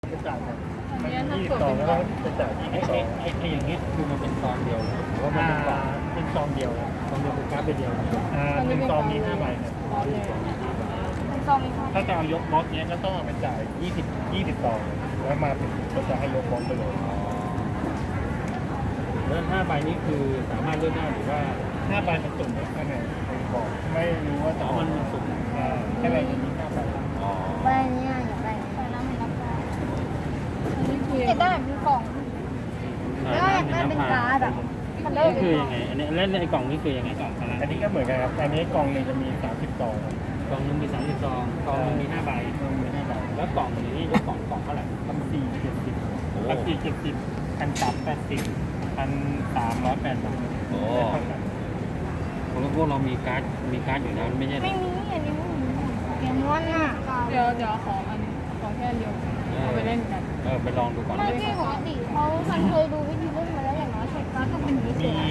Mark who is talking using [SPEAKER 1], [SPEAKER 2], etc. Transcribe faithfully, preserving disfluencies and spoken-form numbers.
[SPEAKER 1] จะจ่ายครับ
[SPEAKER 2] อันนี้ถ้า
[SPEAKER 1] ยี่สิ
[SPEAKER 2] เกิ
[SPEAKER 1] บ
[SPEAKER 2] ด
[SPEAKER 1] สอง
[SPEAKER 2] เป็น
[SPEAKER 1] แล้ว
[SPEAKER 2] ก
[SPEAKER 1] ก็
[SPEAKER 2] ล่อง
[SPEAKER 1] จะจ่าย
[SPEAKER 3] ไอ้
[SPEAKER 1] ยี่สิบส
[SPEAKER 3] ไอ้
[SPEAKER 1] อง
[SPEAKER 3] ไอ้ไอ้อย่างเงี้ยคือมันเป็นซองเดียวหรือว่ามัน
[SPEAKER 1] อ่า
[SPEAKER 3] เป็นกล่อง
[SPEAKER 1] เป็นซองเดียวครับ
[SPEAKER 3] ซองเดียวคือการ์ดไปเดียว
[SPEAKER 1] อ่าเป็นซองมีห้าใบครับ
[SPEAKER 2] ร้อนเลย
[SPEAKER 4] เป็นซองมีห้า
[SPEAKER 1] ถ้าจะเอายกบล็อกเนี้ยก็ต้องเอาไปจ่ายยี่สิบ ยี่สิบซองแล้วมาถึงก็จะให้ยกบล็อกไปเลย
[SPEAKER 3] แล้วห้าใบนี้คือสามารถเลือกได้หรือว่า
[SPEAKER 1] ห้าใบมันสุ่มข้างในบอกไม่รู้ว่าจะ
[SPEAKER 3] อ๋อมันมันสุ่ม
[SPEAKER 1] อ่าแค่ใบจะมีห้าใบ
[SPEAKER 3] อ๋อ
[SPEAKER 4] ใบเนี้ยอยากได้ใบน้ำมันน้ำตาล
[SPEAKER 2] อันนี้คือ
[SPEAKER 4] อยากได้แบบเป็นกล่องแล้วอยากได้เป็นการ์ดอ่ะมันได้
[SPEAKER 3] นี่
[SPEAKER 4] เป็น
[SPEAKER 3] คือก
[SPEAKER 4] ล่
[SPEAKER 3] ยั
[SPEAKER 4] อง
[SPEAKER 3] งไงอันนี้แล้วไอ้กล่องนี้คือยังไงกล่องขนาด
[SPEAKER 1] อันนี้ก็เหมือนกันครับอันนี้กล่องหนึ่งจะมีสามสิบซองครับ
[SPEAKER 3] กล่องหนึงมีสามสิบซองกล่องหนึงมีห้าใบ
[SPEAKER 1] มันมีห้าใบ
[SPEAKER 3] แล้วกล่องนี้ยกกล่องกล่องเท่าไหร่
[SPEAKER 1] พันสี่เจ็ดสิบ
[SPEAKER 3] โอ้
[SPEAKER 1] พันสี่เจ็ดสิบพันสามแปดสิบพันสามร้อยแปดบาท
[SPEAKER 3] โอ้
[SPEAKER 1] เท่ากัน
[SPEAKER 3] เพราะว่าพวกเรามีการ์ดมีการ์ดอยู่แล้วไม่ใช่เหร
[SPEAKER 4] ไม่
[SPEAKER 3] อ
[SPEAKER 4] มีอันนี้ไม่มีเกมม้วนอ่ะ
[SPEAKER 2] เดี๋ยวเดี๋ยวขออันขอแค่เดียวเอาไปเล่นกัน
[SPEAKER 3] เออไปลองดูก่อน
[SPEAKER 4] ไม่ที่ปกติเขามันเคยดูวิธีเล่นมาแล้วอย่างน้อยใช้การ์ดต้องเป็นอย่างนี้
[SPEAKER 1] มี
[SPEAKER 4] เสีย